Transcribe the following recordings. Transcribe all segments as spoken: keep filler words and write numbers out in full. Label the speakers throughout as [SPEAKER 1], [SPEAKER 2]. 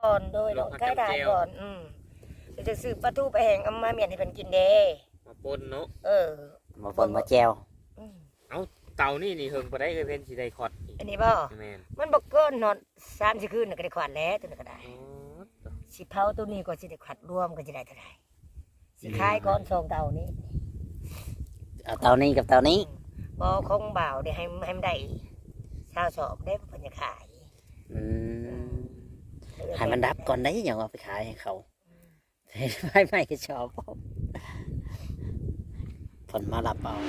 [SPEAKER 1] ก่อนโดยดอกไข่ดาวก่อนอืมเดี๋ยวจะซื้อปลาทูไปแห้งเอามาเมียนให้เพิ่นกินเด้
[SPEAKER 2] มาปนเนาะ
[SPEAKER 1] เออ
[SPEAKER 3] มาปนมาแจว
[SPEAKER 2] เอาเต่านี่นี่เฮิงบ่ได้เอ้ยเพิ่นสิได้คอด
[SPEAKER 1] อันนี้บ่
[SPEAKER 2] แม่น
[SPEAKER 1] มันบ่เกินนอนสามสิคืนน่ะก็ได้ขวัญแล้วตัวนั้นก็ได้สิเผาตัวนี้ก็สิได้ขวัญรวมก็สิได้เท่าไหร่สิขายก่อนสองเต่านี้
[SPEAKER 3] เอาเตานี้กับเตานี้
[SPEAKER 1] บ่คงบ่าวได้ให้ให้มันได้ชาวสอบได้เพิ่นจะขาย
[SPEAKER 3] อืมให้มันดับก่อนได้อย่างเอาไปขายให้เขาไม่ไม่ก็ชอบผลมาลับเอา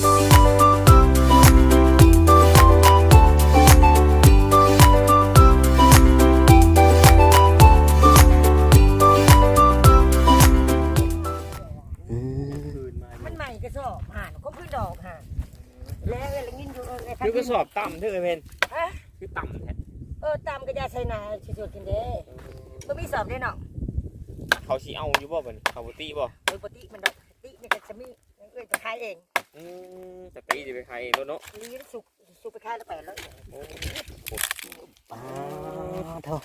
[SPEAKER 1] มันใหม่กระสอบห่านก็คือดอกห่านแล้วเอ้ยละงินอยู่เอ้ย
[SPEAKER 2] คือกระสอบต่ำเด้อเอ้ยเพิ่น
[SPEAKER 1] ฮะ
[SPEAKER 2] คือต่ำแท้
[SPEAKER 1] เออตามกระยาไชนาสุดๆกินเด้บ่มีสอบได้เนาะ
[SPEAKER 2] เขาสิเอาอยู่บ่บัดนี้เขาบ่ติบ่
[SPEAKER 1] โดยปกติมันดอกตินี่ก็จะมีเอ้ยไปขายเอง
[SPEAKER 2] อืมแต่ตีสิไปขายเองเนาะ
[SPEAKER 1] ลีนสุกสุกไปขายแล้วไปแล้ว
[SPEAKER 2] โอ้
[SPEAKER 3] ป้าโธ่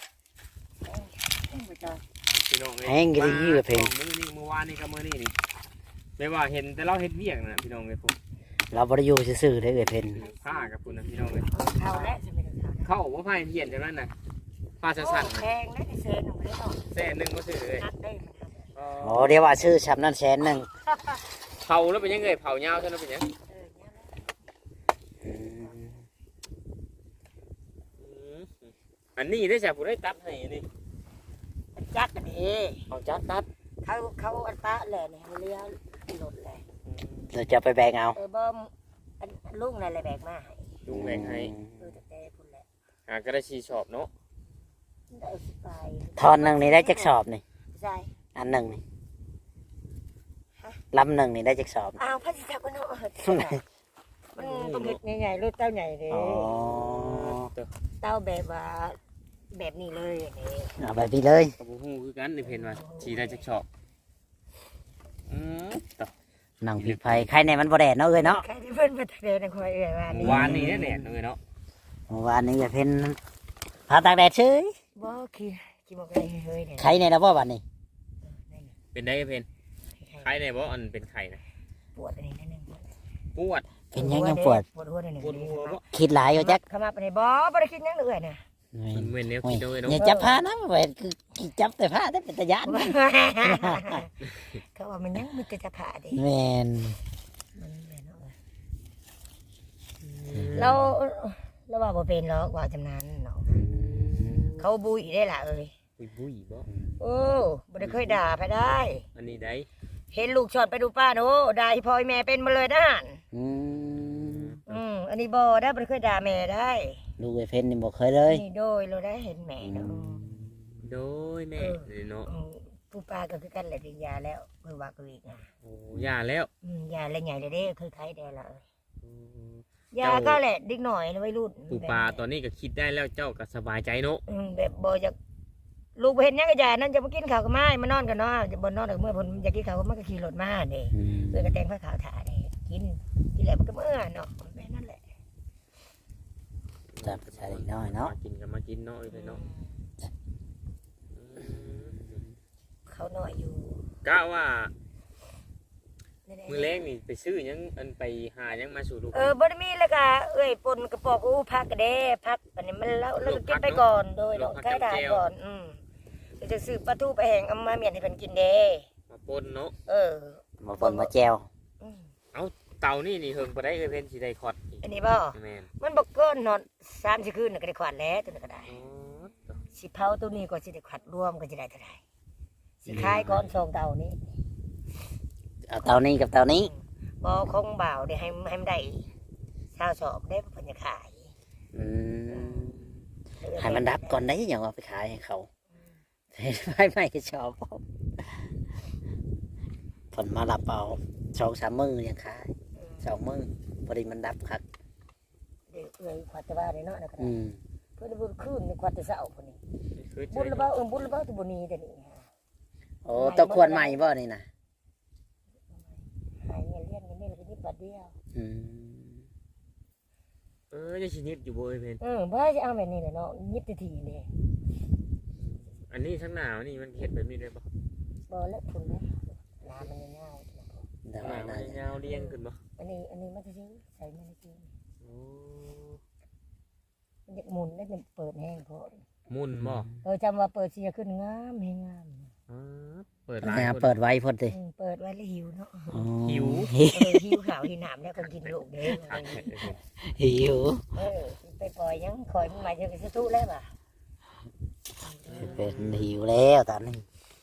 [SPEAKER 2] พี่น้องเอ้ย
[SPEAKER 3] แห้งกี่ยี่กับเพลง
[SPEAKER 2] มื้อนี้เมื่อวานนี่กับมื้อนี้นี่แม่ว่าเห็นแต่เราเฮ็ดเวียกน่ะพี่น้องเอ้ยพวก
[SPEAKER 3] เราบ่ได้อยู่ซื่อๆได้เอ้ยเพน
[SPEAKER 2] ผ้ากับพุ่นน่ะพี่น้องเอ้ย
[SPEAKER 1] เข้าแล้วจะเป็น
[SPEAKER 2] เข้าบ่พายเพี้ยนจังนั้นน่ะผ้าสั่นๆ
[SPEAKER 1] แพงนะไอ้เซนของมันเนาะ
[SPEAKER 2] แสนนึงบ่ซื้อเลย
[SPEAKER 1] นักได้มัน
[SPEAKER 3] โอ้เดี๋ยวว่าชื่อชับนั่นแสนหนึ่ง
[SPEAKER 2] เผาแล้วเป็นยังไงเผายาวใช่ไหมเป็นยังอันนี้ได้จากผู้ได้ตัดให้นี่
[SPEAKER 1] จักกันเอ
[SPEAKER 2] เอาจัดตัด
[SPEAKER 1] เขาเขาอันปะแหล่เนี่ยเลี้ยหล่นเลย
[SPEAKER 3] เราจะไปแบ่งเอา
[SPEAKER 1] เออบ่อันลุงอะไรแบกมาให้
[SPEAKER 2] ลุงแบกให้
[SPEAKER 1] เออแต่พุ่นแหละ
[SPEAKER 2] อ่าก็ได้ชีชอบเนาะ
[SPEAKER 1] ได้สิไป
[SPEAKER 3] ทอนหนึ่งนี่ได้จักสอบนี่
[SPEAKER 1] ใช่
[SPEAKER 3] อันหนึ่งนี่ลำหนึ่งนี่ได้จักสอบ
[SPEAKER 1] อ้าวพัชจักรเนาะมันต้องเห็ดใหญ่ๆรถเต้าใหญ่เลยเต้าแบบว่าแบบนี้เลยนี่
[SPEAKER 3] เอาแบบนี้เลย
[SPEAKER 2] กับผู้คือกันในเพนว่าชีได้จักชอบอืมต่อ
[SPEAKER 3] หนังผีไฟใครในมันบ่แดดเนาะเอ้ยเนาะ
[SPEAKER 1] ใครที่เพิ่นมาแดดคอยเอ้ยว่านี่
[SPEAKER 2] วานนี้แดดเลยเนาะ
[SPEAKER 3] วานนี้จะเป็นพาตากแดดเฉย
[SPEAKER 1] บ่ขี้ขี้บอกอะไรเฮ้ยเนี่ย
[SPEAKER 3] ใครในนะบ่วันนี้
[SPEAKER 2] เป็นได้เพนไข่ในบ่อันเป็นไข่นะ
[SPEAKER 1] ปวดอันนี้นิดนึง
[SPEAKER 2] ปวด
[SPEAKER 3] เป็นยังยังปวด
[SPEAKER 1] ปวดหัวนิดนึง
[SPEAKER 2] ปวดหัวบ่
[SPEAKER 3] คิดหลายอยู่จัก
[SPEAKER 1] ขมับอันนี้บ่บ่ได้คิดยังเลยเนี่ย
[SPEAKER 2] มันเหมือนเนี้ยคิดด้วยเนาะ
[SPEAKER 3] อย่าจับผ้านะเว้ยคือจับแต่ผ้าได้เป็นตะยาน
[SPEAKER 1] เขาว่ามันยังมีแต่จะผ่าดิ
[SPEAKER 3] แม่น
[SPEAKER 1] เราเราว่าบ่เป็นหรอกว่าจำนานเนาะเขาบุยได้ล่ะเอ้ย
[SPEAKER 2] บุยบุยบ่
[SPEAKER 1] โอ้บ่ได้เคยด่าไปได้
[SPEAKER 2] อันนี้ได้
[SPEAKER 1] เห็นลูกชอนไปดูป้าโน้ด่าพ่อแม่เป็นมาเลยนะ
[SPEAKER 3] อืม
[SPEAKER 1] อืมอันนี้บ่ได้บ่ได้เคยด่าแม่ได้
[SPEAKER 3] ลูกไอ้เพนนี่บ่เคยเลย
[SPEAKER 1] นี่โดยเราได้เห็นแม่เนาะ
[SPEAKER 2] โดยแม่เนาะ
[SPEAKER 1] ผู้ป้าก็คือกันแหละดิยาแล้วเพิ่นว่าก็อีกอ่ะ
[SPEAKER 2] โอ้ยาแล้ว
[SPEAKER 1] อืมยาแล้วใหญ่เลยเด้เคยไข้ได้ละยาก็แหละดิกหน่อยวัยรุ่น
[SPEAKER 2] ผู้ป้าตอนนี้ก็คิดได้แล้วเจ้าก็สบายใจเนาะ
[SPEAKER 1] อืมแบบบ่จะลูกเห็นยังก็ยานั่นจะมากินข้าวก็ไม่มานอนกันเนาะจะบ่นอนเมื่อเพิ่นอยากกินข้าวก็มันก็ขี่รถมาเด้เพิ่นก็แต่งผ้าขาวถาเด้กินกินแล้วมันก็เมื่อเนาะแม่นั่นแหละ
[SPEAKER 3] จับใส่น้อยเนาะ
[SPEAKER 2] กินก็มากินเนาะเลยเนาะ
[SPEAKER 1] เขาหน่อยอยู่
[SPEAKER 2] กะว่ามือแรกนี่ไปซื้อยังอันไปหายังมาสู่ลูก
[SPEAKER 1] เออบ่ได้มีแล้วก็เอ้ยปนกระปอกอู้พักก็ได้พักอันนี้มันแล้วแล้วก็กินไปก่อนโดยดอกไข่ดาวก่อนอืมเดี๋ยวจะซื้อปลาทูไปแห้งเอามาเมียนให้เพิ่นกินเด้
[SPEAKER 2] มาปนเนาะ
[SPEAKER 1] เออ
[SPEAKER 3] มาปนมาแจว
[SPEAKER 2] เอาเต่านี่นี่เฮิงบ่ได้เอ้ยเพิ่นสิได้คอด
[SPEAKER 1] อันนี้บ่แม่นมันบ่เกินนอนสามสิคืนน่ะก็ได้ขวัญแล้วตัวนั้นก็ได้สิเผาตัวนี้ก็สิได้ขวัญรวมก็สิได้เท่าไหร่สิขายก่อนสองเต่านี้
[SPEAKER 3] เอาเตานี้กับเตานี้
[SPEAKER 1] บ่คงบ่าวได้ให้ให้มันได้ชาวสอบได้เพิ่นจะขาย
[SPEAKER 3] อืมให้มันดับก่อนได้อย่างเอาไปขายให้เขาไม่ไม่ก็ชอบผลมาลับเอาสองสามมือยังขายสองมือพอดีมันดับครับ
[SPEAKER 1] เดี๋ยวเอ้ยขวัญตะบ้าเนาะนะครับเพื่อนบุญคืนในขวัญตะเสาคนนี้บุญระเบ้าเออบุญระเบ้าตัวบุญนี้แต่นี่
[SPEAKER 3] โอ้ต้องควรใหม่บ่นี่นะ
[SPEAKER 1] หายเงี้ยเลี้ยงกันนี่เราไปนิดบาทเดียว
[SPEAKER 2] เออจะชินิดอยู่บ่อยเพน
[SPEAKER 1] เออบ่จะเอาแบบนี้เลยเนาะนิดทีนี่
[SPEAKER 2] ออันนี้ทั้งหนาวนี่มันเห็ดแบบนี้ได้บ่
[SPEAKER 1] บ่เล็กคุณแม่ลามันยาว
[SPEAKER 3] แต่
[SPEAKER 2] ห
[SPEAKER 3] ว่า
[SPEAKER 2] นามั
[SPEAKER 3] น่าน จะ
[SPEAKER 2] ยาวเรียงขึ้นบ่
[SPEAKER 1] อันนี้อันนี้มันจะซื้อใส่มันกิน
[SPEAKER 2] โอ้
[SPEAKER 1] มันจะหมุนได้เป็นเปิดแห้งพอ
[SPEAKER 2] มุ่นบ่
[SPEAKER 1] เออจำว่าเปิดเสียขึ้นงามให้งาม
[SPEAKER 2] อ๋อเปิดหลาย
[SPEAKER 3] แม่
[SPEAKER 2] คน
[SPEAKER 3] เปิดไว้พ่นสิ
[SPEAKER 1] อืมเปิดไว้แล้วหิวเนาะ
[SPEAKER 3] อ๋อ
[SPEAKER 2] หิว
[SPEAKER 1] เออหิวข่าวหิวหนามแล้วคนกินลูกเด้
[SPEAKER 2] คักแท้เด้อ
[SPEAKER 3] หิว
[SPEAKER 1] เออไปปล่อยยังคอยมันมาเจอกันสะทุแล้วป่ะ
[SPEAKER 3] เป็นหิวแล้วตอนนี้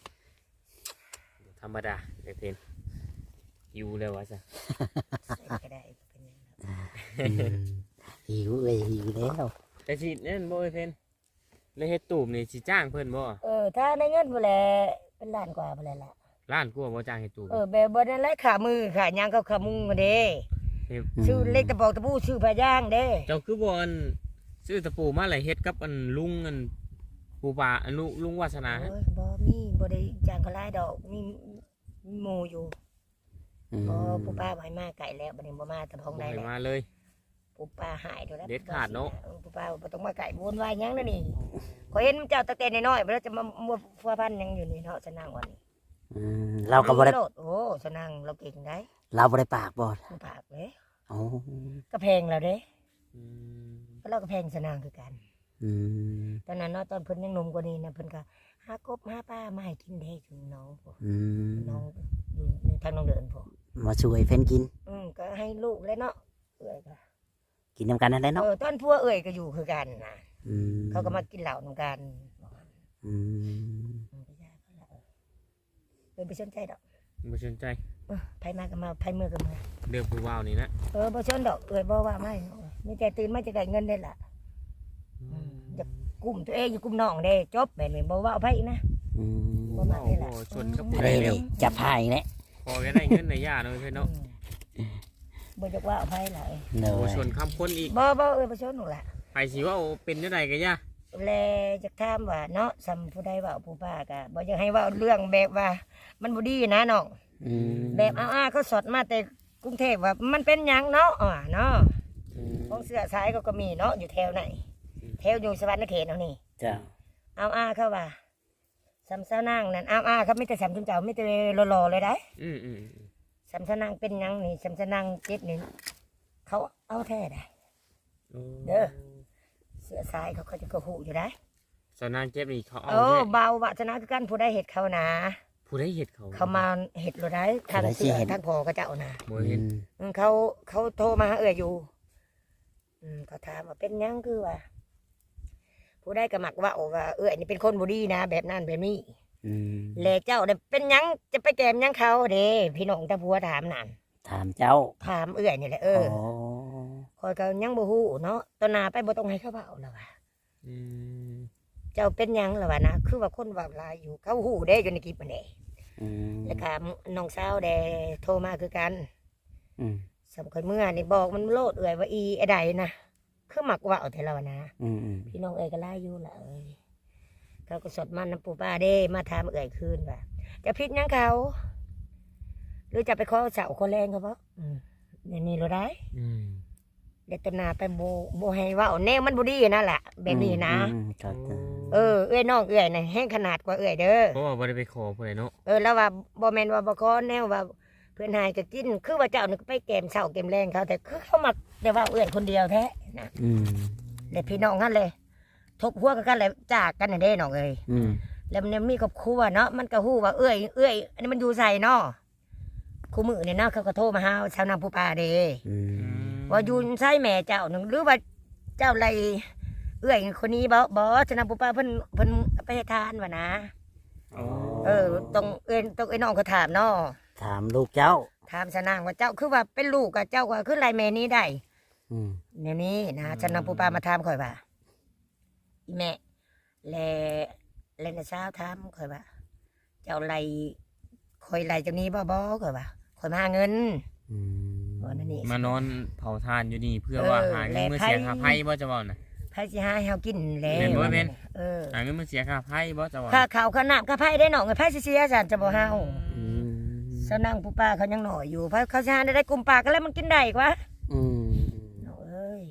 [SPEAKER 2] ธรรมดาไอ้เพนหิวแล้ววะจ้ะ
[SPEAKER 1] ใส่ก็ได้เป็นยังไง
[SPEAKER 3] อืมหิวเลยหิวแล้ว
[SPEAKER 2] แต่สินั่นบ่ไอ้เพนเลยเฮ็ดตูบนี่สิจ้างเพิ่นบ่
[SPEAKER 1] เออถ้าได้เงินบ่แลเป็นล้านกว่าบ่แลล่ะ
[SPEAKER 2] ล้านกว่าบ่จ้างเฮ็ดตูบ
[SPEAKER 1] เออแบบบ่ได้ไล่ขามือขายังกับขามุงกันเด้
[SPEAKER 2] เฮ็ด
[SPEAKER 1] ชื่อเล็กตะปอกตะปูชื่อพะย่างเด้
[SPEAKER 2] เจ้าคือบ่อันซื้อตะปูมาแล้วเฮ็ดกับอันลุงอันปูปลาอันลุลุงวาสนา
[SPEAKER 1] โอ้ยบ่มีบ่ได้จ้างเขาหลายดอกมีมีหมู่อยู่
[SPEAKER 3] อืม
[SPEAKER 1] บ่ปู่ป้าบ่ให้มาไกลแล้วบัดนี้บ่มาแต่พ้อง
[SPEAKER 2] บ่
[SPEAKER 1] ได้
[SPEAKER 2] ให้
[SPEAKER 1] แล้ว
[SPEAKER 2] มาเลย
[SPEAKER 1] ปู่ป้าหายแล้ว
[SPEAKER 2] เด็ดขาดเนาะ
[SPEAKER 1] ปู่ป้าบ่ต้องมาไกลวนวายหยังนั่นนี่ขอยเห็นเจ้าตั้งแต่น้อยๆบ่แล้วจะมามัวฟัวพันหยังอยู่นี่เนาะสนั่งวันนี้
[SPEAKER 3] อืมเราก็บ่ได้
[SPEAKER 1] โลดโอ้สนั่งเราเก่งได้
[SPEAKER 3] เราบ่ได้ปากบ่
[SPEAKER 1] ผู้ปากเด้
[SPEAKER 3] อ๋อ
[SPEAKER 1] ก็แพงแล้วเด้
[SPEAKER 2] อืม
[SPEAKER 1] ก็เราก็แพงสนั่งคือกัน
[SPEAKER 3] อืม
[SPEAKER 1] ตอนนั้นเนาะตอนเพิ่นยังหนุ่มกว่านี้นะเพิ่นก็หากบหาปลามาให้กินเด้ถึงน้องพวก
[SPEAKER 3] อืม
[SPEAKER 1] น้องอยู่ในทางน้องเดินพวก
[SPEAKER 3] มาช่วยเพิ่นกิน
[SPEAKER 1] อืมก็ให้ลูกแล้วเนาะเอ้ยก็
[SPEAKER 3] กินนำกันนั่นแหละ
[SPEAKER 1] เอ
[SPEAKER 3] เนาะ
[SPEAKER 1] อตอนพัวเอ้ยก็อยู่คือกันนะ
[SPEAKER 3] อืม
[SPEAKER 1] เขาก็มากินเหล้านำกัน
[SPEAKER 3] อืม
[SPEAKER 1] อืมไปยาเขาละเออไปสนใจดอก
[SPEAKER 2] บ่สนใจ
[SPEAKER 1] เออไผมาก็มาไผมือก็มา
[SPEAKER 2] เรื่องผู้ว่าวนี่นะ
[SPEAKER 1] เออบ่สนดอกเอ้ยบ่ว่าไม่มีแต่ตื่นมาจะได้เงินได้ล่ะ
[SPEAKER 2] อืม
[SPEAKER 1] จะกลุ่มตัวเองอยู่กลุ่มน้องเด้จบแม่นบ่ว่าเอาไผนะ
[SPEAKER 3] อืม
[SPEAKER 1] บ่มาได้ล่ะ
[SPEAKER 2] โอ้ชนกับผู้
[SPEAKER 3] อะ
[SPEAKER 2] ใด
[SPEAKER 3] ไร
[SPEAKER 2] แล้
[SPEAKER 3] นี่
[SPEAKER 2] ว
[SPEAKER 3] จับผ้าอีกแล้ว
[SPEAKER 2] พอก็ได้เงินในย่าเนาะเพิ่นเนาะ
[SPEAKER 1] อืมบ่จะว่าเอาไผล่ะเอ้ย
[SPEAKER 3] เน
[SPEAKER 2] โอ้
[SPEAKER 3] ย
[SPEAKER 2] ชนคำคนอีก
[SPEAKER 1] บ่บ่เอ้ยบ่สนหนูล่ะ
[SPEAKER 2] ไปสิว่าเป็นจังไดก็ย่า
[SPEAKER 1] แลจะถามว่าเนาะซ้ำผู้ใดเว้าผู้ป้าก็บ่อยากให้เว้าเรื่องแบบว่า มันบ่ดีนะน้อง
[SPEAKER 3] อืม
[SPEAKER 1] แบบอ้าๆเขาสดมาแต่กรุงเทพว่ามันเป็นหยังเนาะอ่าเนาะ
[SPEAKER 2] อืม
[SPEAKER 1] ของเสื้อสายก็ก็มีเนาะอยู่แถวไหนแถวอยู่สวรรค์เขตเอานี่
[SPEAKER 3] จ้า
[SPEAKER 1] เอาอ้าเขาว่าซ้ำเสานางนั่นเอาอ้าเขาไม่แต่ซ้ำจุนเจ้าไม่แต่หล่อๆเลยได้
[SPEAKER 2] อืมอืม
[SPEAKER 1] ซ้ำเสานางเป็นหยังนี่ซ้ำเสานางเจ็ดนี่เขาเอาแท้ได้
[SPEAKER 2] โอ้
[SPEAKER 1] เด้อ เสื้อสายเขาก็จะกระหูอยู่ได้
[SPEAKER 2] สนางเจ็บนี่เขาเอา
[SPEAKER 1] โอ้
[SPEAKER 2] แท้
[SPEAKER 1] เบาวาสนาคือกันผู้ได้เห็ดเขานะ
[SPEAKER 2] ผู้ใดเฮ็ดเขา
[SPEAKER 1] เขามาเห็ดเราได้ทางเสื้อทางพอก็จะเอานะ
[SPEAKER 2] บ่
[SPEAKER 3] อื
[SPEAKER 2] เห็น
[SPEAKER 3] ม
[SPEAKER 1] อืมเขาเขาโทรมาหาเอ่ยอยู่ อืมเขาถามว่าเป็นหยังคือว่า ผู้ได้กระหมักว่าโอ้ว่าเอ่ยนี่เป็นคนบุรีนะแบบนั้นแบบนี้
[SPEAKER 3] อืม
[SPEAKER 1] แลเจ้าเนี่ยเป็นหยังจะไปแกมหยังเขาเด้พี่น้องตาผัวถามนั่น
[SPEAKER 3] ถามเจ้า
[SPEAKER 1] ถามเอ่ยนี่แหละเออ
[SPEAKER 3] โอ้
[SPEAKER 1] คอยก็ยังบ่ฮู้เนาะตอนหนาไปบ่ต้องให้เขาเบาแล้วว่ะ
[SPEAKER 2] อืม
[SPEAKER 1] เจ้าเป็นหยังแล้วว่ะนะคือว่าคนเว่าหลายอยู่เขาฮู้เด้อยู่ในคลิปมันเด้
[SPEAKER 3] อืม
[SPEAKER 1] แล้วก็น้องสาวเด้โทรมาคือกัน
[SPEAKER 3] อืม
[SPEAKER 1] สำคัญเมื่อนี่บอกมันโลดเอ่ยว่าอีไอ้ใดนะคือหมักว่าเอาแต่เรานะ
[SPEAKER 3] อืมอืม
[SPEAKER 1] พี่น้องเอ่ยก็ไล่อยู่ละเอ้ยเขาก็สดมันน้ำปูป้าเด้มาถามเอ่ยคืนว่าจะพิษยังเขา หรือจะไปขอเสาคนแรงเขาปะอืมนี่นี่เราได้
[SPEAKER 2] อืม
[SPEAKER 1] เด็กตนาไปโบโบให้เว่าแนวมันบุดีนั่นแหละแบบนี้นะ
[SPEAKER 3] อืมครับ
[SPEAKER 1] เออเอ้ยน้องเอ่ยนะแห้งขนาดกว่าเอ่ยเด้อ
[SPEAKER 2] เพราะว่าบ่ได้ไปขอผู้ใดเนาะ
[SPEAKER 1] เออแล้วว่าบอแมนว่าบอคอแนวว่าเพื่อนหายก็กินคือว่าเจ้านึกไปเกมเสาเกมแรงเขาแต่คือเขามักแต่ว่าเอ่ยคนเดียวแท้นะ
[SPEAKER 3] อืม
[SPEAKER 1] เด็กพี่น้องกันเลยทบหัวกันเลยจากกันน่ะเด้น้องเอ้ย
[SPEAKER 3] อืม
[SPEAKER 1] แล้วมันมีครอบครัวเนาะมันก็ฮู้ว่าเอ้ยเอ้ยอันนี้มันอยู่ใส่เนาะคู่มือเนี่ยเนาะเขาก็โทรมาหาชาวนางผู้ป่าเด้
[SPEAKER 3] อืม
[SPEAKER 1] ว่าอยู่ใส่แม่เจ้าหนึ่งหรือว่าเจ้าไรเอ้ยคนนี้บ่บ่ชาวนางผู้ป่าเพิ่นเพิ่นไปให้ทานวะนะ
[SPEAKER 2] อ๋อ
[SPEAKER 1] เออต้องเอ้ยต้องไอ้น้องก็ถามเนาะ
[SPEAKER 3] ถามลูกเจ้า
[SPEAKER 1] ถามชาวนางว่าเจ้าคือว่าเป็นลูกกับเจ้าว่าคือไรแม่นี้ได้
[SPEAKER 3] อืม
[SPEAKER 1] เนี่ยนี้นะชาวนางผู้ป่ามาถามข่อยว่าอีแม่แลแลนะสาวถามข่อยว่า เจ้าไรคอยไรจากนี้บ่บ่ข่อยว่าข่อยมาหาเงิน
[SPEAKER 3] อืม
[SPEAKER 1] ว่านั่นนี่
[SPEAKER 2] มานอนเผาทานอยู่นี่เพื่อ
[SPEAKER 1] เออ
[SPEAKER 2] ว่าหาเงิน
[SPEAKER 1] และ
[SPEAKER 2] มา
[SPEAKER 1] ไพ่
[SPEAKER 2] เสียค่าไพ่บ่จะว่าน่ะ
[SPEAKER 1] ไผสิหาให้เฮากินแล้ว
[SPEAKER 2] แม่นบ่แม่น
[SPEAKER 1] เออ
[SPEAKER 2] หาเงินมาเสียค่าไพ่บ่จะว่า
[SPEAKER 1] ค่าข้าวค่าน้ำค่าไผได้น้องไผสิเสียซั่นจะบ่เฮา
[SPEAKER 3] อืม
[SPEAKER 1] ซะนั่งผู้ป้าเขายังหน่อยอยู่เพราะเขาสิหาได้ได้กลุ่มปากกันแล้วมันกินได้กว่า
[SPEAKER 3] อืม
[SPEAKER 1] น้องเอ้ย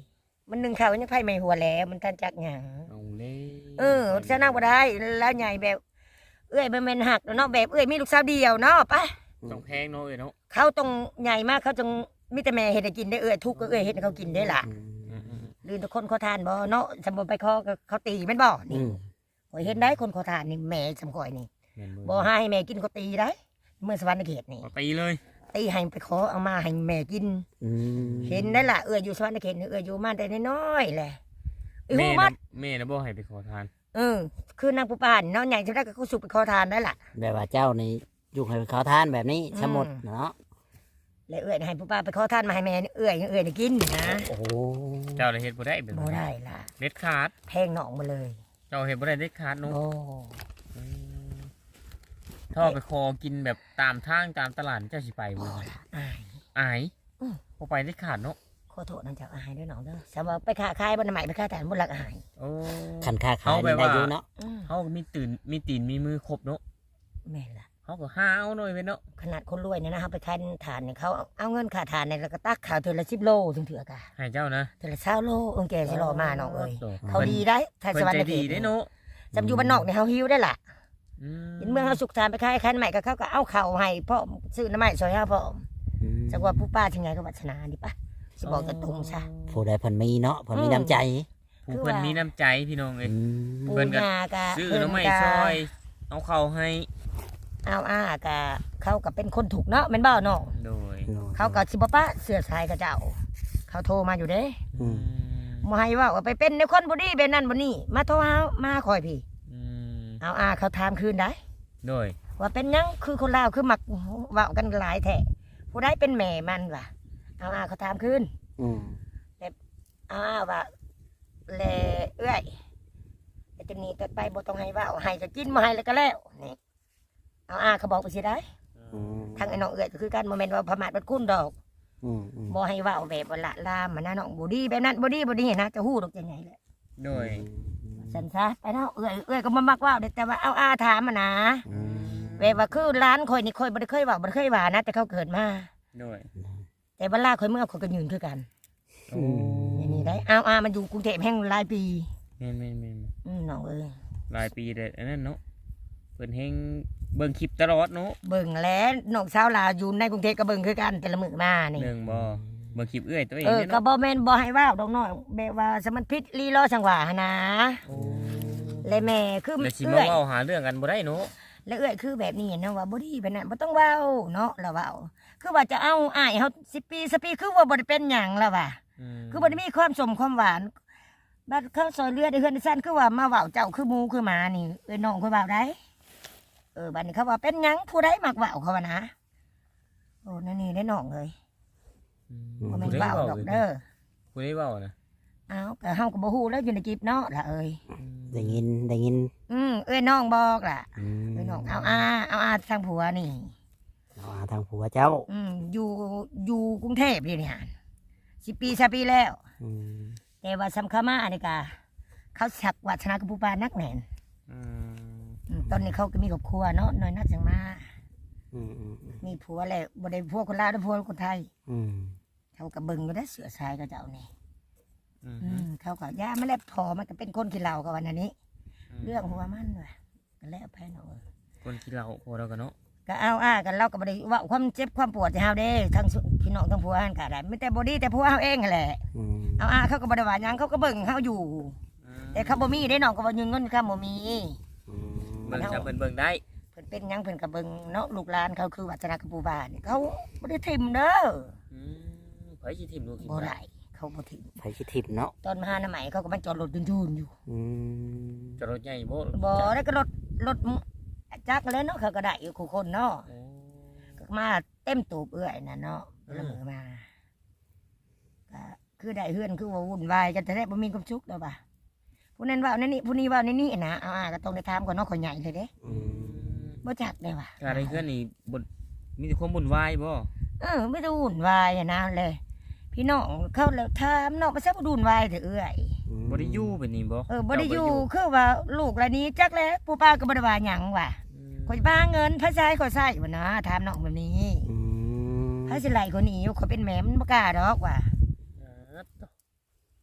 [SPEAKER 1] มันหนึ่งเขายังไผไม่หัวแล้วมันทันจักหยัง
[SPEAKER 2] เอาเลย
[SPEAKER 1] เออชนะบ่ได้แล้วใหญ่แบบ เอ้ยมันแม่นหักเนาะแบบเอ้ยมีลูกสาวเดียวเนาะไป
[SPEAKER 2] ต้องแพงเนาะเอ้ยเนาะ
[SPEAKER 1] เขาต้องใหญ่มากเขาจงมีแต่แม่เฮ็ดให้กินได้เอ้ยทุกข์ก็เอ้ยเฮ็ดให้เขากินได้ล่ะ
[SPEAKER 3] อืม
[SPEAKER 2] อืม
[SPEAKER 1] ลืนทุกคนเขาทานบ่เนาะสมบูรณ์ไปคอก็เขาตีแม่นบ่
[SPEAKER 3] อื
[SPEAKER 1] นี่
[SPEAKER 3] ม
[SPEAKER 1] ข่อยเห็นได้คนเขาทานนี่แม่สำข่อยนี่
[SPEAKER 2] แม่น
[SPEAKER 1] บ่ให้แม่กินเขาตีได้เมื่อสวรรค์เขตนี่
[SPEAKER 2] บ่ตีเลย
[SPEAKER 1] ตีให้ไปขอเอามาให้แม่กิน
[SPEAKER 3] อืม
[SPEAKER 1] เห็นได้ล่ะเอ้ยอยู่สวรรค์เขตนี่เอ้ยอยู่มาแต่น้อยๆแหละอี
[SPEAKER 2] แม่
[SPEAKER 1] หู
[SPEAKER 2] น่ะ
[SPEAKER 1] มัด
[SPEAKER 2] แม่น่ะบ่ให้ไปขอทาน
[SPEAKER 1] เออคือนางผู้ป่านเนาะใหญ่จะได้ก็เขาสุกไปขอทานได้ล่ะ
[SPEAKER 3] แบบว่าเจ้านี่ยุ่งให้เขาทานแบบนี้สมมุดเนาะ
[SPEAKER 1] แล้วเอ้ยให้ผู้ป่าไปขอทานมาให้แม่เอ้ยเอ้ยได้กินนะ
[SPEAKER 3] โอ้โห
[SPEAKER 2] เจ้าเลยเฮ็ดบ่ได้เป็น
[SPEAKER 1] บ่ได้ล่ะ
[SPEAKER 2] เด็ดขาด
[SPEAKER 1] แพงหนองมาเลย
[SPEAKER 2] เจ้าเฮ็ดบ่ได้เด็ดขาดเนาะ
[SPEAKER 1] โอ้
[SPEAKER 2] อืมถ้าเอาไปคอกินแบบตามทางตามตลาดเจ้าสิไปบ่
[SPEAKER 1] บ่ล่ะอาย
[SPEAKER 2] อาย
[SPEAKER 1] อืม
[SPEAKER 2] บ่ไปเด็ดขาดเนาะ
[SPEAKER 1] ขอโทษนั่นเจ้าอายด้วยน้องเด้อสำหรับไปค้าขายบ่ได้หมายไปค้าทานบ่รักอาย
[SPEAKER 2] โอ้
[SPEAKER 3] คันค่าขาย
[SPEAKER 2] เอาไป
[SPEAKER 3] นี่ได้
[SPEAKER 2] ว่า
[SPEAKER 3] อยู่เนาะ
[SPEAKER 1] อืม
[SPEAKER 2] เฮาก็มีตื่นมีตีนมีมือครบเนาะ
[SPEAKER 1] แม่นล่ะ
[SPEAKER 2] เฮาก็หาเอาหน่อยเว้ยเนาะ
[SPEAKER 1] ขนาดคนรวยเนี่ยนะเฮาไปขายทานเนี่ยเขาเอาเงินค่าทานเนี่ยแล้วก็ตักข้าวเทื่อละสิบโลถึงเถื่อกะ
[SPEAKER 2] ให้เจ้านะ
[SPEAKER 1] เทื่อละ20โลเอิ้งแกสิรอมาน้องเอ้ย
[SPEAKER 2] โ
[SPEAKER 1] เขาดีได้ไทย
[SPEAKER 2] เพิ่
[SPEAKER 1] ส
[SPEAKER 2] น
[SPEAKER 1] วรร
[SPEAKER 2] ใจ
[SPEAKER 1] ค์เข
[SPEAKER 2] ดี
[SPEAKER 1] ต
[SPEAKER 2] ได้เนาะ
[SPEAKER 1] จำอยู่บ้านนอกเนี่ยเฮาหิวได้ล่ะ
[SPEAKER 2] อืม
[SPEAKER 1] เห็นเมืองเฮาสุขทานไปขายคันใหม่ก็เขาก็เอาข้าวให้พ่อซื้อน้ำใหม่ซอยเฮาพ่อ
[SPEAKER 3] อืม
[SPEAKER 1] จักว่าผู้ป้าถึงไงก็วัฒนาดิปะสิบอกตรงๆซะ
[SPEAKER 3] ผู้ใดเพิ่นมีเนาะเพิ่นมี
[SPEAKER 1] อืม
[SPEAKER 3] น้ำใจ
[SPEAKER 2] ผู้เพิ่นมีน้ำใจพี่น้องเอ้ย
[SPEAKER 3] อืม
[SPEAKER 1] ปู
[SPEAKER 2] เพิ่นก็
[SPEAKER 1] ยากะ
[SPEAKER 2] ซื้อ
[SPEAKER 1] เพิ่น
[SPEAKER 2] น้ำไม้
[SPEAKER 1] กะ
[SPEAKER 2] ซอย เอาเข้าวให้
[SPEAKER 1] เอาอ้ากะเขาก็เป็นคนถูกเนาะแม่นบ่เนาะ
[SPEAKER 2] โดย
[SPEAKER 1] เขาก็สิบ่ปะเสื้อสายกับเจ้า เขาโทรมาอยู่เด้
[SPEAKER 3] อืม
[SPEAKER 1] บ่ให้ว่าว่าไปเป็นในคนบ่ดีเป็นนั่นบ่นี่มาโทรหามาคอยพี่
[SPEAKER 2] อืม
[SPEAKER 1] เอาอาเขาถามคืนได้
[SPEAKER 2] โดย
[SPEAKER 1] ว่าเป็นหยังคือคนลาวคือมักเว้ากันหลายแท้ผู้ใดเป็นแม่มันวะเอาอาเขาถามคืน
[SPEAKER 3] อืม
[SPEAKER 1] เอาอาว่าแลเอื้อยไอ้ตัวนี้ต่อไปบ่ต้องให้เว้าให้ก็กินบ่ให้แล้วก็แล้วนี่เอาอาเขาบอกไปสิได้
[SPEAKER 3] อืม
[SPEAKER 1] ทางไอ้น้องเอื้อยก็คือกันบ่แม่นว่าพม่าบัดคุ้นดอก
[SPEAKER 3] อืมอืม
[SPEAKER 1] บ่ให้เว้าแบบว่าละลามมันนะน้องบ่ดีแบบนั้นบ่ดีบ่ดีนะจะฮู้ดอกจังไงแหละ
[SPEAKER 2] โดย
[SPEAKER 1] สันซะไปเนาะเอื้อยเอื้อยก็บ่มักเว้าเด้แต่ว่าเอาอาถามมานะ
[SPEAKER 3] อืม
[SPEAKER 1] แบบว่าคือร้านข่อยนี่ข่อยบ่ได้เคยเว้าบ่ได้เคยว่านะแต่เขาเกิดมา
[SPEAKER 2] โดย
[SPEAKER 1] แต่เวลาข่อยเมื่อข่อยก็ยืนคือกัน
[SPEAKER 2] โอ้
[SPEAKER 1] นี่นี่ได้เอาอามันอยู่กรุงเทพแห่งหลายปี
[SPEAKER 2] แม่นแม่นแม่น
[SPEAKER 1] อืมน้องเอ้ย
[SPEAKER 2] หลายปีเลยอันนั้นเนาะเพิ่นเฮงเบิ่งคลิปตลอดเนาะ
[SPEAKER 1] เบิ่งแล้วน้องสาวลาวอยู่ในกรุงเทพก็เบิ่งคือกันแต่ละมื้อมานี่
[SPEAKER 2] เรื่องบ่เบิ่งคลิปเอื้อยตัวเอง
[SPEAKER 1] เออ
[SPEAKER 2] เนี่ย
[SPEAKER 1] ก็
[SPEAKER 2] เนาะ
[SPEAKER 1] บ่แม่นบ่ให้เว้าดอกน้อยแบบว่าสมันพิษลีลอสังหวาหนนะ
[SPEAKER 2] โอ้
[SPEAKER 1] และแม่คือ
[SPEAKER 2] แล้วสิ
[SPEAKER 1] เอื้
[SPEAKER 2] มา
[SPEAKER 1] อย
[SPEAKER 2] เว้าหาเรื่องกันบ่ได้เนาะ
[SPEAKER 1] และเอื้อยคือแบบนี้นะว่าบ่ดีแบบนั้นบ่ต้องเว้าเนาะแล้วเว้าคือว่าจะเอาอ้ายเฮาสิบปีสิบปีคือว่าบ่ได้เป็นหยังแล้วว่ะ
[SPEAKER 2] ม
[SPEAKER 1] คือบ่ได้มีความสมความหวานบัดเขาซอยเรือได้เฮือนได้ซ่านคือว่ามาเว้าเจ้าคือหมูคือหมานี่เอ้ยน้องค่อยเว้าได้เออบัดนี้เขาว่าเป็นหยังผู้ใดมักเว้าเขาว่านะโอ้นั่นนี่ได้น้องเอ้ย
[SPEAKER 2] อืม
[SPEAKER 1] บ่แม่น
[SPEAKER 2] ผู้ใด
[SPEAKER 1] เว้า
[SPEAKER 2] เว้า
[SPEAKER 1] ดอก
[SPEAKER 2] เลย
[SPEAKER 1] เด้อ
[SPEAKER 2] ผู้ใดเว้านะ
[SPEAKER 1] เอ้าก็เฮาก็บ่ฮู้แล้วอยู่ในจิบเนาะล่ะเอ้ย
[SPEAKER 3] ได้ยินได้ยิน
[SPEAKER 1] อืมเอ้ยน้องบอกล่ะ
[SPEAKER 3] อืม
[SPEAKER 1] เอ้ยน้องเอาอาเอาอาทางผัวนี่
[SPEAKER 3] เอาหาทางผัวเจ้า
[SPEAKER 1] อืมอยู่อยู่กรุงเทพอยู่นี่ฮะสิบปีสปีแล้ว
[SPEAKER 3] อืม
[SPEAKER 1] แต่ว่าสำคัญมาอันนี้กาเขาสักวัฒนากับผู้ปานักแน่น
[SPEAKER 2] อืม
[SPEAKER 1] อืมตอนนี้เขาก็มีครอบครัวเนาะน้อยนักจังมา
[SPEAKER 3] อืมอืมอืม
[SPEAKER 1] มีผัวแหละบ่ได้ผัวคนลาวได้ผัวคนไทย
[SPEAKER 3] อืม
[SPEAKER 1] เขาก็เบิ่งอยู่ได้เสือสายกับเจ้านี่
[SPEAKER 2] อืม
[SPEAKER 1] อืมเขาก็ย่าไม่แล้วพอมันก็เป็นคนขี้เหล้ากับวันนี้ เรื่องหัวมันว่ะก็แล้วไปเนาะ
[SPEAKER 2] คนที่เราพอเรากันเนาะ
[SPEAKER 1] ก็เอาอ้ากันเราก็บ่ได้เว่าความเจ็บความปวดจะเฮาเด้ทั้งพี่น้องทั้งผัวหันก็ได้ไม่แต่บ่ดีแต่ผัวเฮาเองนั่นแหละ
[SPEAKER 3] อืม
[SPEAKER 1] เอาอ้าเขาก็บ่ได้ว่าหยังเขาก็เบิ่งเฮาอยู่ แต่เขาบ่มีได้น้องก็บ่ยืมเงินเขาบ่มี
[SPEAKER 3] อืม
[SPEAKER 2] มันจะเบิ่งเบิ่งได้
[SPEAKER 1] เพิ่นเป็นหยังเพิ่นก็เบิ่งเนาะลูกหลานเขาคือวัฒนกับปู่บ้านนี่เขาบ่ได้ทิ่มเด้อ
[SPEAKER 2] อืมไผสิทิมลูกทิม
[SPEAKER 1] บ่
[SPEAKER 2] หลา
[SPEAKER 1] ได้
[SPEAKER 2] น
[SPEAKER 1] เขาบ่ทิ่ม
[SPEAKER 3] ไผสิทิพย์เนาะ
[SPEAKER 1] ตอนมาหาหน้าใหม่เขาก็มาจอดรถยืนๆอยู่
[SPEAKER 3] อืม
[SPEAKER 2] จะรถใหญ่บ่
[SPEAKER 1] บ่ได้ก็รถรถจักรเลยเนาะเขาก็ได้อยู่คู่คนเนาะ
[SPEAKER 2] โอ้
[SPEAKER 1] ก็มาเต็มตูบเอื้อยน่ะเนาะละมือมาก็คือได้เฮือนคือว่าวุ่นวายกันแต่แท้บ่มีความสุขดอกบ่ะผู้นั้นเว่านั่นนี่ผู้นี้เว่านั่นนี่นะเอาอ่าก็ต้องได้ถามก่อนเนาะข่อยใหญ่เลยเด้
[SPEAKER 3] อืม
[SPEAKER 1] บ่จักได้ว่ะ
[SPEAKER 2] การได้เพื่อนนี่บนมีแต่ความบุญวายบ่
[SPEAKER 1] เออไม่ได้วุ่นวายอะนะเลย พี่น้องเขาแล้วถามน้องไปซะบ่วุ่นวายเถอะเอื้อย
[SPEAKER 2] บ่ได้อยู่แบบนี้บ่
[SPEAKER 1] เออบ่ได้อยู่คือว่าลูกละนี้จักแล้วปู่ป้าก็บ่ได้ว่าหยังว่ะ
[SPEAKER 2] อืม
[SPEAKER 1] ข่อยบ้าเงินพระชายข่อยใส่ว่านะถามน้องแบบนี้
[SPEAKER 3] อืม
[SPEAKER 1] ถ้าสิไหลคนนี้ข่อยเป็นแม่มันบ่กล้าดอกว่ะ
[SPEAKER 2] อ่าต่อ
[SPEAKER 1] โ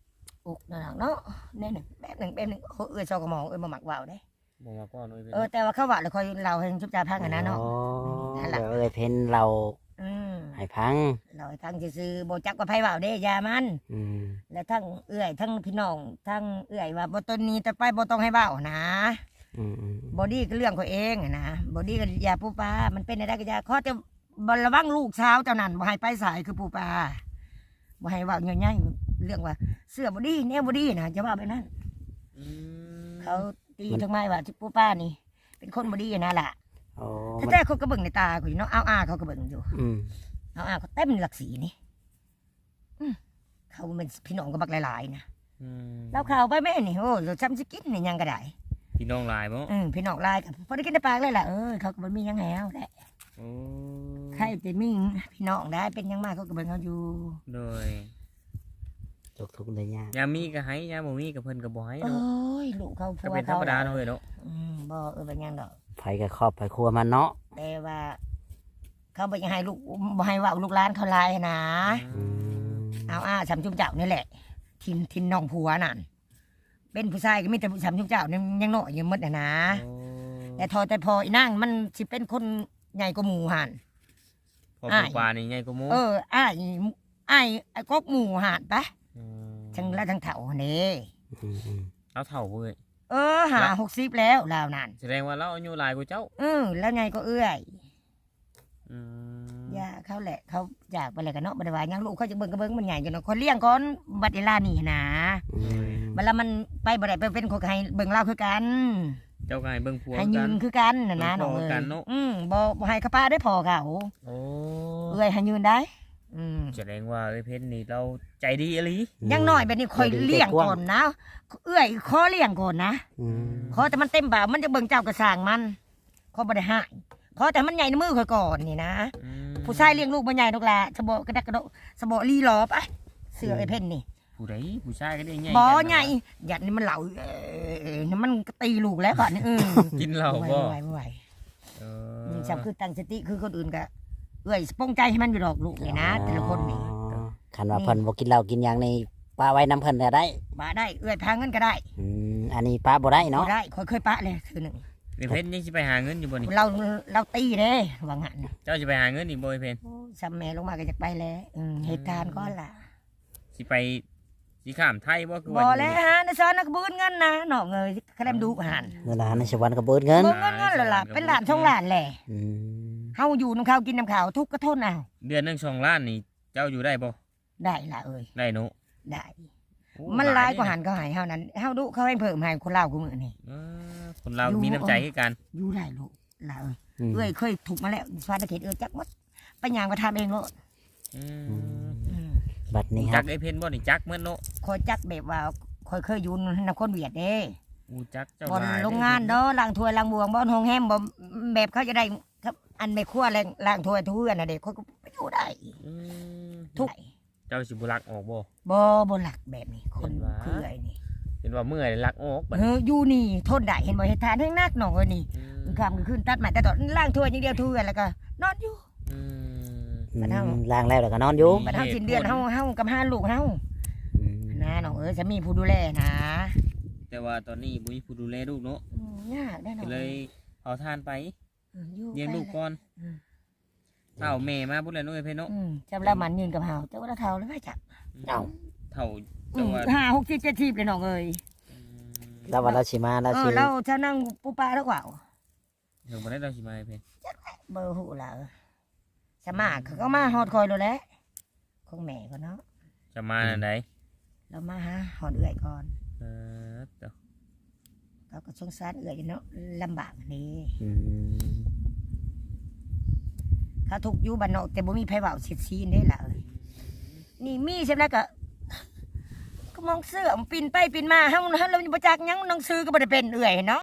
[SPEAKER 1] อุกนั่นน่ะเนาะแน่หนึ่งแบบหนึ่งแบบหนึ่งเอ้ยชอกระหมองเอ้ยบ่มักว่าวเด้
[SPEAKER 2] บ่มาก่อนเลย
[SPEAKER 1] เออแต่ว่าเขาว่าแล้วคอยเราให้ชุบจ่าพังกันนะเนาะ
[SPEAKER 3] อ๋อ
[SPEAKER 1] นั่นล่ะ
[SPEAKER 3] เดี๋ยวเอ้ยเพิ่นเรา
[SPEAKER 1] อืม
[SPEAKER 3] ให้พัง
[SPEAKER 1] เราให้พังซื่อๆบ่จักว่าไผว่าวเด้อยามัน
[SPEAKER 3] อืม
[SPEAKER 1] และทั้งเอื้อยทั้งพี่น้องทั้งเอื้อยว่าบ่ต้นนี้แต่ไปบ่ต้องให้เว้านะ
[SPEAKER 3] อืมอืม
[SPEAKER 1] บอดี้ก็เรื่องเขาเองอะนะบอดี้ก็ยาปูปลามันเป็นอะไรก็ยาข้อจะบระวังลูกเช้าเจ้านั่นบ่ให้ไปสายคือปูปลาบ่ให้เว่าง่ายๆเรื่องว่าเสื้อบอดี้เนี่ยบอดี้นะจะว่าไปนั่น
[SPEAKER 2] อืม
[SPEAKER 1] เขาตีทำไมว่าปูปลานี่ เป็นคนบอดี้นะล่ะ
[SPEAKER 3] อ๋อ
[SPEAKER 1] ถ้า
[SPEAKER 3] มัน
[SPEAKER 1] แต่เขาก็เบิ่งในตาเขาอยู่เนาะเอาอาเขาก็เบิ่งอยู่
[SPEAKER 3] อืม
[SPEAKER 1] เอาอาเขาเต็มหลักสีนี่อืมเขาเป็นพี่น้องก็บักหลายๆนะ
[SPEAKER 2] อืม
[SPEAKER 1] เราข่าวไปแม่นี่โอ้เราจำสกินนี่ยังก็ได้
[SPEAKER 2] พี่น้องหลายบ่
[SPEAKER 1] อืมพี่น้องหลายกับพอได้กินในปากเลยล่ะเออเขาก็บ่มีหยังแล้วแหละ
[SPEAKER 2] โอ้
[SPEAKER 1] ใครจะมีพี่น้องได้เป็นหยังมากเขาก็เบิ่งเขาอยู่
[SPEAKER 2] โดย
[SPEAKER 3] ทุกทุกๆเลยยาก
[SPEAKER 2] ยามมีก็ให้ยามบ่มีก็เพิ่นก็บ่ให้
[SPEAKER 1] โอ้
[SPEAKER 2] เนาะ
[SPEAKER 1] ยลูกเขา
[SPEAKER 2] ก็
[SPEAKER 1] ผัว
[SPEAKER 2] เป็นธร
[SPEAKER 1] เขา
[SPEAKER 2] รมดาเนาะเอ้ยเนาะ
[SPEAKER 1] อืมบ่เออเป็นหยังดอก
[SPEAKER 3] ไผกับครอบไผครัวมันเนาะ
[SPEAKER 1] แต่ว่า เขาบ่อยังให้ลูกบ่ให้เว่าลูกหลานเขาหลายนะ
[SPEAKER 3] อืม
[SPEAKER 1] เอาอ้าสำจุมเจ้านี่แหละ ทินทินน้องผัวนั่นเป็นผู้ชายก็มีแต่สำจุมเจ้านี่ยังน้อยอยู่หมดน่ะนะ
[SPEAKER 2] โอ้
[SPEAKER 1] แต่ทอแต่พออีนางมันสิเป็นคนใหญ่กว่าหมู่หั่น
[SPEAKER 2] พอ
[SPEAKER 1] อ้า
[SPEAKER 2] ปู
[SPEAKER 1] ย
[SPEAKER 2] ปลานี่ใหญ่กว่าหมู
[SPEAKER 1] เอออ้ายอ้ายไอ้กอกหมู่หั่นปะ
[SPEAKER 2] ม
[SPEAKER 1] ทั้งละทั้งเฒ่านี่
[SPEAKER 3] อืมอืม
[SPEAKER 2] เอาเฒ่าเว้ย
[SPEAKER 1] เออหาหกสิบแล้วลาวนั่น
[SPEAKER 2] แสดงว่าเราอายุหลายกว่าเจ้า
[SPEAKER 1] เออแล้วไงก็เอื้อย
[SPEAKER 2] อืม
[SPEAKER 1] ย่าเขาแหละเขาอยากไปอะไรกันเนาะบัดว่าหยังลูกเขาจะเบิ่งก็เบิ่งมันใหญ่จังเนาะคนเลี้ยงก่อนบัดเวลานี่นะ
[SPEAKER 3] อืม
[SPEAKER 1] บัดละมันไปบ่ได้ไปเป็นคนให้เบิ่งเล่าคือกัน
[SPEAKER 2] เจ้าก็ให้เบิ่งผัว
[SPEAKER 1] ให้
[SPEAKER 2] กั
[SPEAKER 1] ยื
[SPEAKER 2] น
[SPEAKER 1] นคือกันน่ะนะ
[SPEAKER 2] เบิ่
[SPEAKER 1] น้อง
[SPEAKER 2] งพ่อ
[SPEAKER 1] เอ้ย
[SPEAKER 2] กันเนาะ
[SPEAKER 1] อืมบ่บ่ให้เขาป้าได้พอเขา
[SPEAKER 2] โอ้
[SPEAKER 1] เอื้อยให้ยืนได้ อืม
[SPEAKER 2] แสดงว่าเอ้ยเพชรนี่เราใจดีอีหลี
[SPEAKER 1] อยังน้อยแบบนี้คอยเลี้ยงก่อนนะเอื้อยขอเลี้ยงก่อนนะ
[SPEAKER 3] อืม
[SPEAKER 1] ขอแต่มันเต็มบ่ามันจะเบิ่งเจ้ากระสร้างมันขอบ่ได้ให้ขอแต่มันใหญ่ในมือข่อยก่อนนี่นะ
[SPEAKER 2] อืม
[SPEAKER 1] ผู้ชายเลี้ยงลูกบ่ใหญ่ดอกละสะโบกระดักกระโดดสะโบลีหลอปะเสือไอ้เพ่นนี่
[SPEAKER 2] ผู้ใดผู้ชายก็ได้ใหญ่
[SPEAKER 1] บ่
[SPEAKER 2] กัน
[SPEAKER 1] ใหญ่หยัดนี่มันเหล่าเออนี่มันก็ตีลูกแล้วก่อนนี่เออ
[SPEAKER 2] กินเหล้า
[SPEAKER 1] ไหว
[SPEAKER 2] บ่
[SPEAKER 1] ไหวไหว
[SPEAKER 2] เอ
[SPEAKER 1] อื
[SPEAKER 2] อ
[SPEAKER 1] มจำคือตั้งสติคือคนอื่นก็เอ้ยปงใจให้มันอยู่ดอกลูกนี่นะแต่ละคนนี่
[SPEAKER 3] อ๋อคันว่าเพิ่นบ่กินเหล้ากินหยังนี่ป้าไว้น้ำเพิ่นก็ได้
[SPEAKER 1] ปะได้เอ้ยพาเงินก็ได้
[SPEAKER 3] อืมอันนี้ป้าบ่ได้
[SPEAKER 1] บ่
[SPEAKER 3] เนาะ
[SPEAKER 1] ได้คอยเคยปะเลยคือหนึ่ง
[SPEAKER 2] เอ้ยเพชรยังสิไปหาเงินอยู่บ่นี่
[SPEAKER 1] เราเราตีเด้ว่างั้น
[SPEAKER 2] เจ้าสิไปหาเงินอีกบ่เอ้ยเพชร
[SPEAKER 1] โอ้ยซ้ำแม่ลงมาก็จะไปแล้วอืมเหตุการณ์ก็ล่ะ
[SPEAKER 2] สิไปสิข้ามไทยบ่คือ
[SPEAKER 1] บ่
[SPEAKER 2] ว่า
[SPEAKER 1] แล้วฮะในซอนนักบุญเงินนะน้องเอ้ยคะแนนดุหัน
[SPEAKER 3] เงินอาหารในสวรรค์ก็เบิดเงิน
[SPEAKER 1] บ่เงินเงินแล้วล่ะเป็นหลานช่องหลานแหละ
[SPEAKER 3] อืม
[SPEAKER 1] เฮาอยู่น้ำข้าวกินน้ำข้าวทุกข์ก็ทนเอา
[SPEAKER 2] เดือนหนึงสองล้านนี่เจ้าอยู่ได้บ่
[SPEAKER 1] ได้ล่ะเอ้ย
[SPEAKER 2] ได้เนาะ
[SPEAKER 1] ได้
[SPEAKER 2] โอ้
[SPEAKER 1] มันหลายกว่า
[SPEAKER 2] เด้
[SPEAKER 1] หันก็ใหายเฮานั้นเฮาดุเขาให้เพิ่มให้คนลาวกูมื้อนี่
[SPEAKER 2] เออคนเรามีน้ำใจให้กัน
[SPEAKER 1] อยู่ได้ลูกล่ะเอ้ย
[SPEAKER 3] อืม
[SPEAKER 1] เอ้ยเคยถูกมาแล้วฟาดเขตเอ้ยจักหมดไปย่างมาทำเองโลด
[SPEAKER 2] อืม
[SPEAKER 1] อืม
[SPEAKER 3] บัดนี้ค
[SPEAKER 2] จั
[SPEAKER 3] รั
[SPEAKER 2] ก
[SPEAKER 3] บ
[SPEAKER 2] ไอ้เพชรบ่นี่จักเหมือนเนาะ
[SPEAKER 1] คอยจักแบบว่าคอยเคยอยู่นำคนเวียดเด้
[SPEAKER 2] อูจักเจ้า
[SPEAKER 1] บ่อน
[SPEAKER 2] หลาย
[SPEAKER 1] โรงงานเด้อล้างถ้วยล้างบวงบ่อนห้องแฮมบ่แบบเขาจะได้ครับอันไม่ครัวแรงล้างถ้วยทุกอันน่ะเด็กเขาก็ไปอยู่ได้
[SPEAKER 2] อืม
[SPEAKER 1] ทุก
[SPEAKER 2] เจ้าสิบุรักออกบ่
[SPEAKER 1] บ่บ่หลักแบบนี้คน
[SPEAKER 2] เห็นว่า
[SPEAKER 1] คือไอ้นี่
[SPEAKER 2] เห็นว่าเมื่อยรักออกบัด
[SPEAKER 1] เอออยู่นี่ทนได้เห็นบ่เฮ็ดทานแห้งนักหนองเอ้ยนี่
[SPEAKER 2] อืม
[SPEAKER 1] คำขึ้นตัดใหม่แต่ตอนล้างถ้วยอย่างเดียวถ้วยแล้วก็นอนอยู่
[SPEAKER 2] อืม
[SPEAKER 3] อื
[SPEAKER 1] บัดเฮา
[SPEAKER 3] มล้างแล้วแล้วก็นอนอยู่
[SPEAKER 1] บัดเฮาสิ้นเดือนเฮาเฮากับห้าลูกเฮา
[SPEAKER 3] อืม
[SPEAKER 1] นะน้องเอ้ยจะมีผู้ดูแลนะ
[SPEAKER 2] แต่ว่าตอนนี้บุญผู้ดูแลลูกเนาะ
[SPEAKER 1] อืมยากได้น้อ
[SPEAKER 2] ก็
[SPEAKER 1] ง
[SPEAKER 2] เลยเอาทานไป
[SPEAKER 1] อืมอยู่
[SPEAKER 2] เลี้ยงลูก
[SPEAKER 1] ไป
[SPEAKER 2] ก่อน
[SPEAKER 1] อืม
[SPEAKER 2] เท่าแม่มาบุญแล้วน้องเอ้ยเพชรเนาะ
[SPEAKER 1] อืมจำแล้วมันยืนกับเฮาแต่ว่าเราเท่าแล้วไม่จับ
[SPEAKER 3] เอ้า
[SPEAKER 2] เท่า
[SPEAKER 1] อื
[SPEAKER 2] แต่
[SPEAKER 1] ม
[SPEAKER 2] ว่า
[SPEAKER 1] ห้าหกสิบเจ็ดสิบเลยน้องเอ้ย
[SPEAKER 2] อืม
[SPEAKER 3] แล้ววันเราสิมาเรา
[SPEAKER 1] เอ
[SPEAKER 3] สิ
[SPEAKER 1] อเราจะนั่งปูปลาแล้วกว่า
[SPEAKER 2] เดี๋ยวบ่ได้เราสิมาให้เพชร
[SPEAKER 1] เบอร์หูเราสมาเขาก็มาฮอดคอยเราแหล้วคงแม่ก็เนาะ
[SPEAKER 2] จะมาอันใด
[SPEAKER 1] เรามาหาฮอดเอื่อยก่อน
[SPEAKER 2] เออเดี๋ยว
[SPEAKER 1] เราก็สงสารเอื่อยอยู่เนาะลำบากนี่
[SPEAKER 3] อืม
[SPEAKER 1] เขาทุกข์อยู่บ้านนอกแต่บ่มีไผเว้าเสียดซีนได้ล่ะเอ้ยนี่มีใช่ไหมก็ ก็มองเสื้อมันปินไปปินมาเฮาเฮาเราบ่จักหยังหนังสือก็บ่ได้เป็นเอื่อยเนาะ